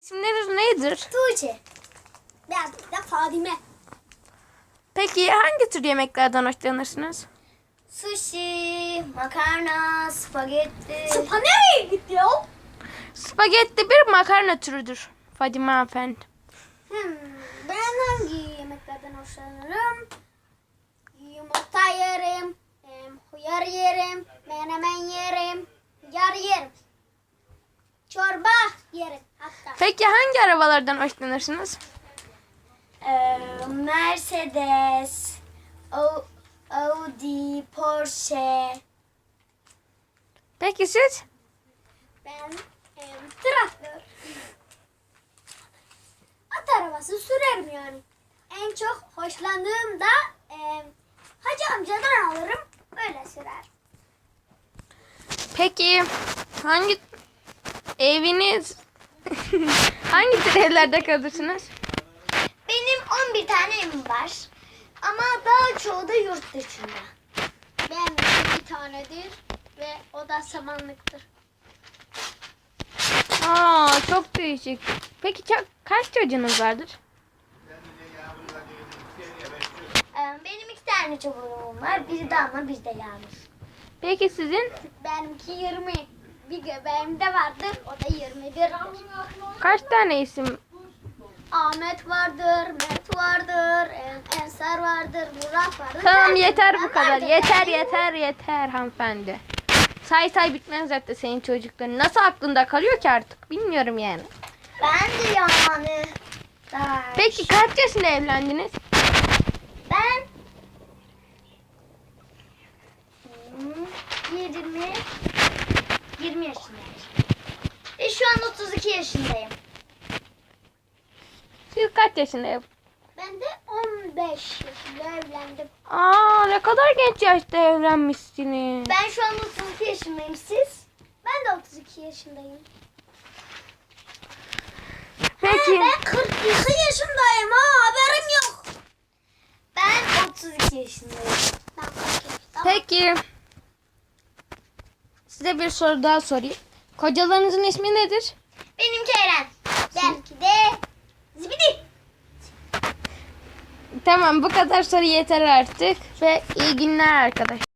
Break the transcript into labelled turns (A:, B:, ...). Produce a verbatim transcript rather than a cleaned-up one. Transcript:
A: İsimleriniz nedir?
B: Tuğçe. Ben de Fadime.
A: Peki hangi tür yemeklerden hoşlanırsınız?
B: Sushi, makarna, spagetti. Spa nereye gitti ya?
A: Spagetti bir makarna türüdür Fadime hanımefendi.
B: Hmm, ben hangi yemeklerden hoşlanırım? Yumurta yerim, em, hıyar yerim, menemen yerim, yar yerim. Çorba yerim hatta.
A: Peki hangi arabalardan hoşlanırsınız?
B: Ee, Mercedes, O- Audi, Porsche.
A: Peki siz?
B: Ben em, traktör. At arabası sürerim yani. En çok hoşlandığım da em, Hacı amcadan alırım. Öyle sürer.
A: Peki hangi eviniz hangi tür evlerde kalırsınız?
B: Benim on bir tane evim var. Ama daha çoğu da yurt dışında. Benim bir tanedir ve o da samanlıktır.
A: Aa, çok değişik. Peki ka- kaç çocuğunuz vardır?
B: Ee, Benim iki tane çocuğum var. Biri Damla, biri de Yağmur.
A: Peki sizin?
B: Benimki yirmi. Bir göbeğimde vardır. O da yirmi bir.
A: Kaç tane isim?
B: Ahmet vardır, Mert vardır, En- Ensar vardır, Murat vardır.
A: Tamam
B: Ben-
A: yeter
B: ben
A: bu kadar.
B: vardır.
A: Yeter yeter yeter hanımefendi. Say say bitmez zaten senin çocukların. Nasıl aklında kalıyor ki artık? Bilmiyorum yani.
B: Ben de yani. Daha-
A: Peki kaç yaşında evlendiniz?
B: Ben Hmm, yirmi yirmi yaşındayım. Ve şu an otuz iki yaşındayım.
A: Siz kaç yaşında ev?
B: Ben de on beş yaşında evlendim.
A: Aa, ne kadar genç yaşta evlenmişsiniz.
B: Ben şu an otuz iki yaşındayım. Siz? Ben de otuz iki yaşındayım.
A: Peki.
B: Ben kırk iki yaşındayım ha, haberim yok. Ben otuz iki yaşındayım. Ben kırk iki. Tamam.
A: Peki. Size bir soru daha sorayım. Kocalarınızın ismi nedir?
B: Benimki Eren. Benimki de Zibidi.
A: Tamam, bu kadar soru yeter artık ve iyi günler arkadaşlar.